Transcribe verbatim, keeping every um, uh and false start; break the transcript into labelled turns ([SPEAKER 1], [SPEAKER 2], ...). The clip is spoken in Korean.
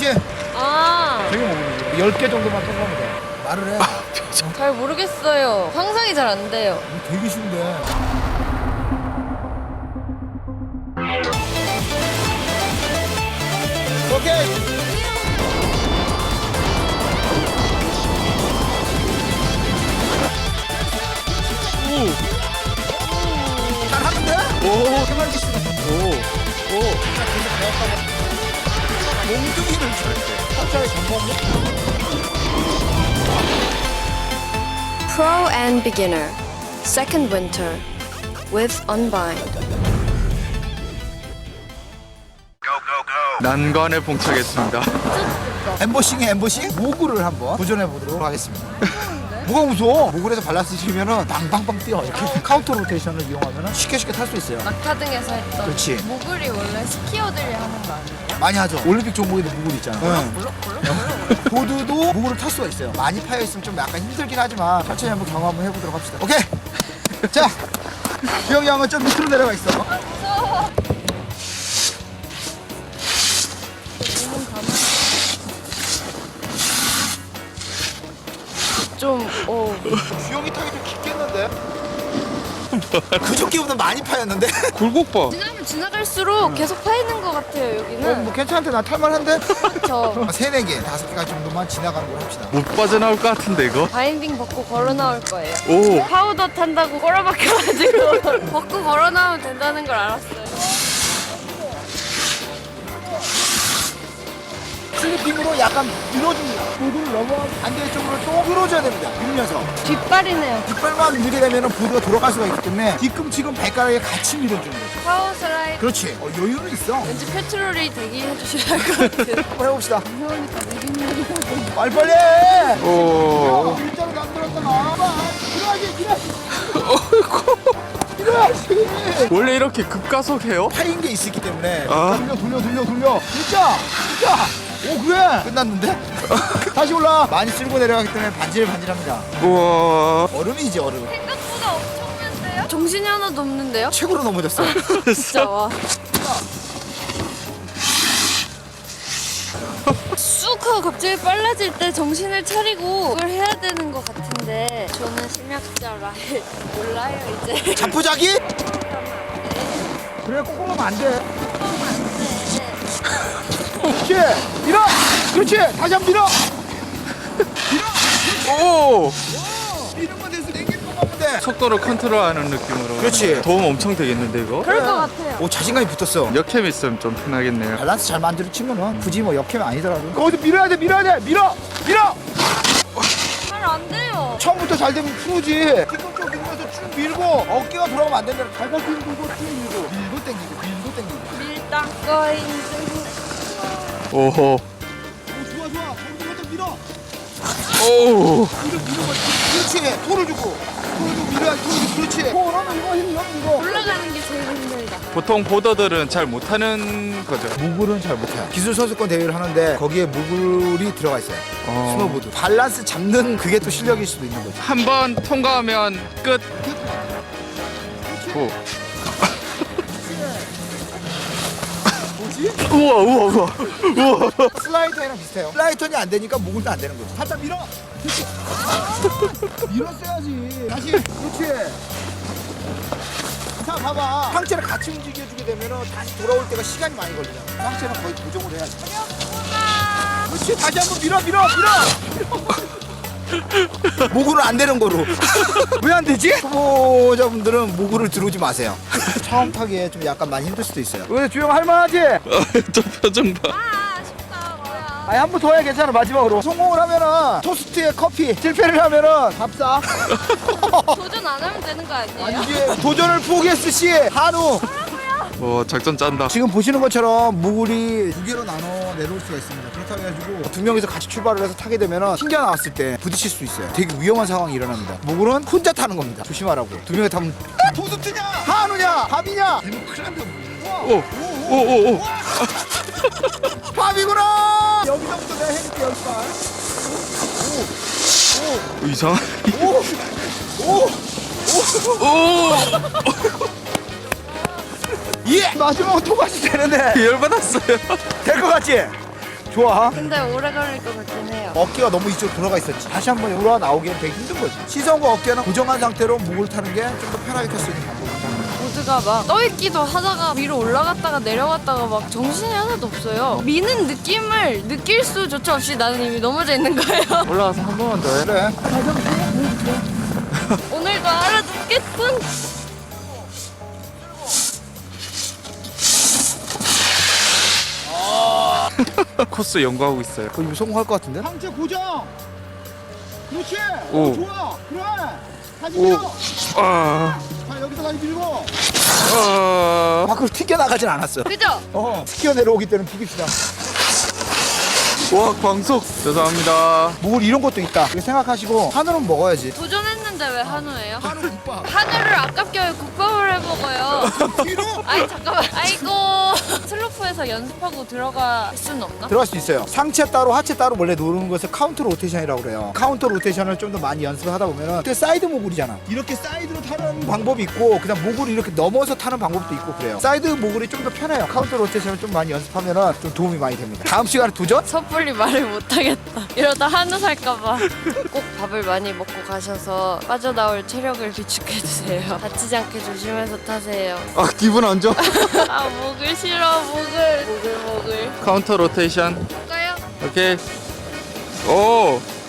[SPEAKER 1] 정신.
[SPEAKER 2] 아,
[SPEAKER 1] 되게 먹는 열 개 정도만 통과하면 돼. 말을 해.
[SPEAKER 2] 잘 모르겠어요. 상상이 잘 안 돼요.
[SPEAKER 1] 이거 되게 쉬운데. 오케이. 잘하는데?
[SPEAKER 3] 오,
[SPEAKER 1] 생활기 씨가
[SPEAKER 3] 오, 오.
[SPEAKER 1] 몽둥이를 줄 살짝 전범.
[SPEAKER 2] Pro and Beginner Second Winter with Unbind.
[SPEAKER 3] 난관에 봉착했습니다.
[SPEAKER 1] 엠보싱에 엠보싱? 모구를 한번 도전해 보도록 하겠습니다. 뭐가 무서워? 모구에서 발라쓰시면은 빵빵빵 뛰어. 이렇게 카운터 로테이션을 이용하면 쉽게 쉽게 탈 수 있어요.
[SPEAKER 2] 낙타등에서 했던
[SPEAKER 1] 그렇지.
[SPEAKER 2] 모글이 원래 스키어들이 하는 거 아니에요?
[SPEAKER 1] 많이 하죠. 올림픽 종목에도 모굴 있잖아. 응.
[SPEAKER 2] 물론 물론.
[SPEAKER 1] 보드도 모구를 탈 수가 있어요. 많이 파여 있으면 좀 약간 힘들긴 하지만 천천히 한번 경험 한번 해보도록 합시다. 오케이. 자, 주영이 형은 좀 밑으로 내려가 있어.
[SPEAKER 2] 무서워. 좀 어.
[SPEAKER 1] 주영이 타기 좀 깊겠는데? 그저께보다 많이 파였는데?
[SPEAKER 3] 굴곡
[SPEAKER 2] 지나면 지나갈수록 계속 파 있는 것 같아요
[SPEAKER 1] 어,
[SPEAKER 2] 여기는.
[SPEAKER 1] 뭐 괜찮은데 나 탈만한데?
[SPEAKER 2] 저
[SPEAKER 1] 세네 개, 다섯 개가 정도만 지나가는 걸 합시다.
[SPEAKER 3] 못 빠져나올 것 같은데 이거?
[SPEAKER 2] 바인딩 벗고 걸어 나올 거예요.
[SPEAKER 3] 오.
[SPEAKER 2] 파우더 탄다고 꼬라박혀가지고 벗고 걸어 나오면 된다는 걸 알았어요.
[SPEAKER 1] 슬리핑으로 약간 밀어줍니다. 보드를 넘어가고 반대쪽으로 또 끌어줘야 됩니다. 밀면서.
[SPEAKER 2] 뒷발이네요.
[SPEAKER 1] 뒷발만 밀게 되면 보드가 돌아갈 수가 있기 때문에 뒤꿈치금 발가락에 같이 밀어주는 거죠.
[SPEAKER 2] 파워 슬라이드.
[SPEAKER 1] 그렇지. 어, 여유는 있어.
[SPEAKER 2] 왠지 페트롤이 대기해 주셔야 할 것 같은.
[SPEAKER 1] 한번 해봅시다.
[SPEAKER 2] 무서우니까 느릿느릿하고.
[SPEAKER 1] 빨리빨리 해!
[SPEAKER 3] 오.
[SPEAKER 1] 일자로 만들었잖아. 밀어야지, 밀어야지. 밀어야지.
[SPEAKER 3] 원래 이렇게 급가속해요?
[SPEAKER 1] 파인 게 있었기 때문에.
[SPEAKER 3] 아.
[SPEAKER 1] 돌려, 돌려, 돌려, 돌려. 진짜! 진짜! 오, 그래! 끝났는데? 다시 올라. 많이 쓸고 내려가기 때문에 반질반질합니다.
[SPEAKER 3] 우와.
[SPEAKER 1] 얼음이지, 얼음.
[SPEAKER 2] 생각보다 엄청난데요? 정신이 하나도 없는데요?
[SPEAKER 1] 최고로 넘어졌어.
[SPEAKER 2] 진짜 와. 쑥 하고 갑자기 빨라질 때 정신을 차리고 그걸 해야 되는 것 같은데 저는 심약자라 몰라요 이제.
[SPEAKER 1] 자포자기? 그래, 꼭 하면 안 돼. 그렇지! 밀어! 그렇지! 다시 한 번 밀어!
[SPEAKER 3] 오.
[SPEAKER 1] 이름만 돼서 땡기는 것만 하면 돼.
[SPEAKER 3] 속도를 컨트롤하는 느낌으로.
[SPEAKER 1] 그렇지.
[SPEAKER 3] 도움 엄청 되겠는데 이거?
[SPEAKER 2] 그럴 것 같아요.
[SPEAKER 1] 오, 자신감이 붙었어.
[SPEAKER 3] 역캠 있으면 좀 편하겠네요.
[SPEAKER 1] 밸런스 잘 만들어 치면은 굳이 뭐 역캠이 아니더라도 거기서 밀어야 돼, 밀어야 돼, 밀어! 밀어!
[SPEAKER 2] 잘 안 돼요.
[SPEAKER 1] 처음부터 잘 되면 프로지. 뒤꿈치 밀면서 쭉 밀고 어깨가 돌아가면 안 된다. 발바닥 밀고 쭉 밀고 밀고 땡기고 밀고 땡기고.
[SPEAKER 2] 밀당거인.
[SPEAKER 3] 오호.
[SPEAKER 1] 오, 좋아 좋아. 거기서 살짝 밀어.
[SPEAKER 3] 오.
[SPEAKER 1] 밀어 밀어. 그렇지. 토를 주고. 토를 주고 밀어야 토를 그렇지. 토라면 이거 힘 이거.
[SPEAKER 2] 올라가는 게 제일 힘들다.
[SPEAKER 3] 보통 보더들은 잘 못하는 거죠.
[SPEAKER 1] 무굴은 잘 못해요. 기술 선수권 대회를 하는데 거기에 무굴이 들어가 있어요.
[SPEAKER 3] 어.
[SPEAKER 1] 스노보드. 밸런스 잡는 그게 또 실력일 수도 있는 거죠.
[SPEAKER 3] 한 번 통과하면 끝. 오.
[SPEAKER 1] 뭐지?
[SPEAKER 3] 우와 우와 우와 우와.
[SPEAKER 1] 슬라이터랑 비슷해요. 슬라이터니 안 되니까 무굴도 안 되는 거죠. 살짝 밀어. 그렇지. 밀었어야지. 다시. 그렇지. 자, 봐봐. 상체를 같이 움직여주게 되면 다시 돌아올 때가 시간이 많이 걸리잖아. 상체는 거의 고정을 해야지. 그렇지. 다시 한번 밀어, 밀어, 밀어. 모구는 안 되는 거로. 왜 안 되지? 초보자분들은 모구를 들어오지 마세요. 처음 타기에 좀 약간 많이 힘들 수도 있어요. 왜 주영 할만하지?
[SPEAKER 3] 저 표정 봐.
[SPEAKER 2] 아 아쉽다 뭐야.
[SPEAKER 1] 아니 한 번 더 해야 괜찮아. 마지막으로 성공을 하면은 토스트에 커피, 실패를 하면은 밥 사.
[SPEAKER 2] 도전 안 하면 되는 거 아니에요?
[SPEAKER 1] 아니지. 도전을 포기했을 시 한우.
[SPEAKER 3] 와 작전 짠다.
[SPEAKER 1] 지금 보시는 것처럼 무굴이 두 개로 나눠 내려올 수가 있습니다. 그렇다고 해가지고 두 명이서 같이 출발을 해서 타게 되면 튕겨 나왔을 때 부딪힐 수 있어요. 되게 위험한 상황이 일어납니다. 무굴은 혼자 타는 겁니다. 조심하라고. 두 명이 타면 토스트냐, 한우냐, 밥이냐. 되면 큰일 난다.
[SPEAKER 3] 오오오 오.
[SPEAKER 1] 밥이구나. 여기서부터 내가 해줄게 연습할.
[SPEAKER 3] 이상.
[SPEAKER 1] 오, 오,
[SPEAKER 3] 오.
[SPEAKER 1] 예. 마지막으로 토마시 되는데
[SPEAKER 3] 열 받았어요.
[SPEAKER 1] 될 것 같지? 좋아.
[SPEAKER 2] 근데 오래 걸릴 것 같긴 해요.
[SPEAKER 1] 어깨가 너무 이쪽으로 들어가 있었지. 다시 한번 올라와 나오기엔 되게 힘든 거지. 시선과 어깨는 고정한 상태로 목을 타는 게 좀 더 편하게 탈 수 있는 방법이다.
[SPEAKER 2] 보드가 막 떠있기도 하다가 위로 올라갔다가 내려갔다가 막 정신이 하나도 없어요. 미는 느낌을 느낄 수조차 없이 나는 이미 넘어져 있는 거예요.
[SPEAKER 3] 올라가서 한 번만 더 해.
[SPEAKER 1] 그래.
[SPEAKER 2] 오늘도 알아듣겠군.
[SPEAKER 3] 코스 연구하고 있어요.
[SPEAKER 1] 거의 성공할 것 같은데? 상체 고정. 그렇지.
[SPEAKER 3] 오.
[SPEAKER 1] 오, 좋아. 그래. 다시
[SPEAKER 3] 오.
[SPEAKER 1] 밀어.
[SPEAKER 3] 아,
[SPEAKER 1] 자, 여기서 다시 밀고.
[SPEAKER 3] 아,
[SPEAKER 1] 밖으로 튀겨 나가진 않았어요.
[SPEAKER 2] 그죠?
[SPEAKER 1] 어. 튀겨 내려오기 때는 비깁시다.
[SPEAKER 3] 와, 광속. 죄송합니다.
[SPEAKER 1] 뭘 이런 것도 있다. 이렇게 생각하시고 한우는 먹어야지.
[SPEAKER 2] 도전했는데 왜 한우예요?
[SPEAKER 1] 한우 국밥.
[SPEAKER 2] 한우를 아깝게 왜 국밥을 해 먹어요?
[SPEAKER 1] 뒤로
[SPEAKER 2] 아이 잠깐만. 아이고 슬로프에서 연습하고 들어갈 수는 없나?
[SPEAKER 1] 들어갈 수 있어요. 상체 따로 하체 따로 원래 노는 것을 카운터 로테이션이라고 그래요. 카운터 로테이션을 좀 더 많이 연습을 하다 보면은 그때 사이드 모글이잖아. 이렇게 사이드로 타는 방법이 있고 그냥 목을 이렇게 넘어서 타는 방법도 있고 그래요. 사이드 모글이 좀 더 편해요. 카운터 로테이션을 좀 많이 연습하면은 좀 도움이 많이 됩니다. 다음 시간에 도전?
[SPEAKER 2] 섣불리 말을 못하겠다. 이러다 한우 살까봐. 꼭 밥을 많이 먹고 가셔서 빠져나올 체력을 비축해주세요. 다치지 않게 조심해서 타세요.
[SPEAKER 3] 아, 기분 안 좋아.
[SPEAKER 2] 아 목을 싫어 목을. 목을 목을.
[SPEAKER 3] 카운터 로테이션.
[SPEAKER 2] 볼까요?
[SPEAKER 3] 오케이. 오,